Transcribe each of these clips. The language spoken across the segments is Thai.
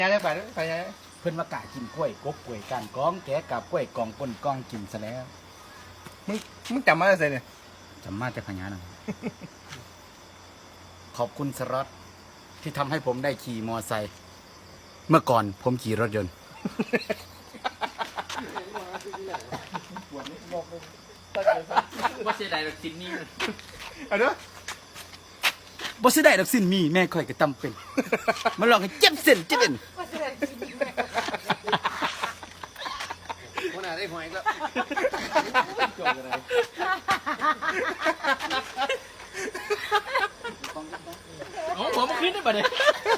ได้ไปไปยังเพิ่นว่ากะกินกล้วยกบกล้วยก้านก้องแกะกับกล้วยกองก้นกองกินซะแล้วมึงจำมาได้ไงเนี่ยจำมาแต่พญานาค ขอบคุณสล็อตที่ทำให้ผมได้ขี่มอไซค์เมื่อก่อนผมขี่รถยนต์ว่าเสียดายแบบซินนี่เอาเด้อบ่สิได้ดอกสิ้นมีแม่ข่อยก็ตำเป็น มาลองให้เจ็บเส้นเจ็บเอ็นคนอ่ะได้หวยแล้วโอ้ผมขึ้นได้ปะเนี่ย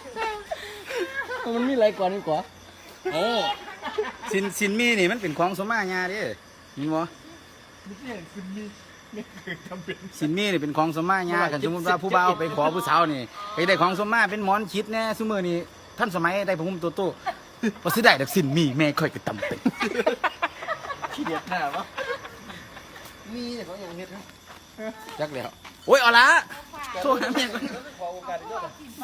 มันมีอะไรก่อนดีกว่าโอ้สินมีนี่มันเป็นของสมมาญาเด้มีบ่สินมีนี่เป็นของสมมาญากันสมมุติว่าผู้บ่าวไปขอผู้สาวนี่ไปได้ของสมมาเป็นหมอนคิดแน่ซุมื้อนี้ท่านสมัยได้ผ้าห่มโตโต้บ่สิได้ดอกสินมีแม่ข่อยก็ตำเป็นขี้เดียดหน้าวะมีแต่เขาอย่างเฮ็ดนะจักแล้วโอ้ยเอาละโทรหาแม่ก่อนขอโอกาสอีกด้วย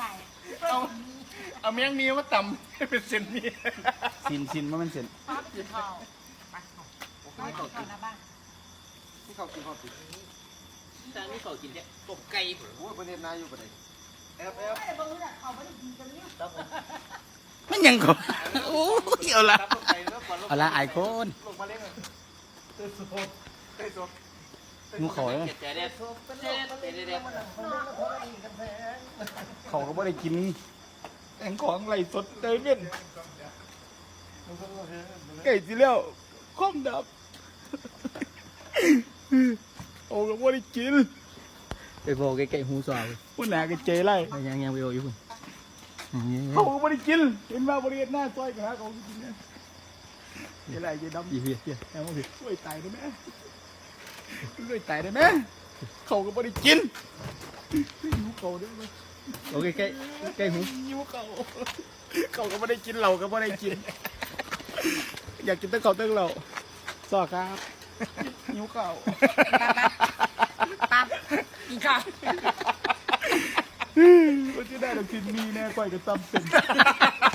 เอาเมียงนี้มาต่ำให้เป็นเซนนี่สินว่ามันสินที่เขากินทางนี้เขากินเนี่ยต้มไก่โอ้ยประเด็นนายอยู่ประเด็นแอบมันยังก็โอ้ยเอาละต้มไก่แล้วก่อนเอาละไอ้คนลงมาเล่นกันเต้ยสดเต้ยสดหนูขอเลยเด็ดเด็ดเด็ดเขาก็บ่ได้กินแองของไหลสดเต้ยเป็นไก่สิแล้วคอมดับโอ้ก็บ่ได้กินไปโบใกล้ๆหูซอยพุ่นหนาก็เจไรยังไปโบอยู่คุณเขาก็บ่ได้กินเห็นว่าบริเวณหน้าซอยก็หาเขากินเนี่ยเจไรเจดำยี่เพี้ยแอบมาสิช่วยตายได้ไหมช่วยตายได้ไหมเขาก็บ่ได้กินหิวเขาได้ไหมโอเคใกล้หูหิวเขาเขาก็ไม่ได้กินเราก็ไม่ได้กิน อยากกินตั้งเขาตั้งเราสอครับหิวเขาปั๊บกินข้าวว่าจะได้ดอกกินมีแน่ก่อยก็ซ้ำเป็น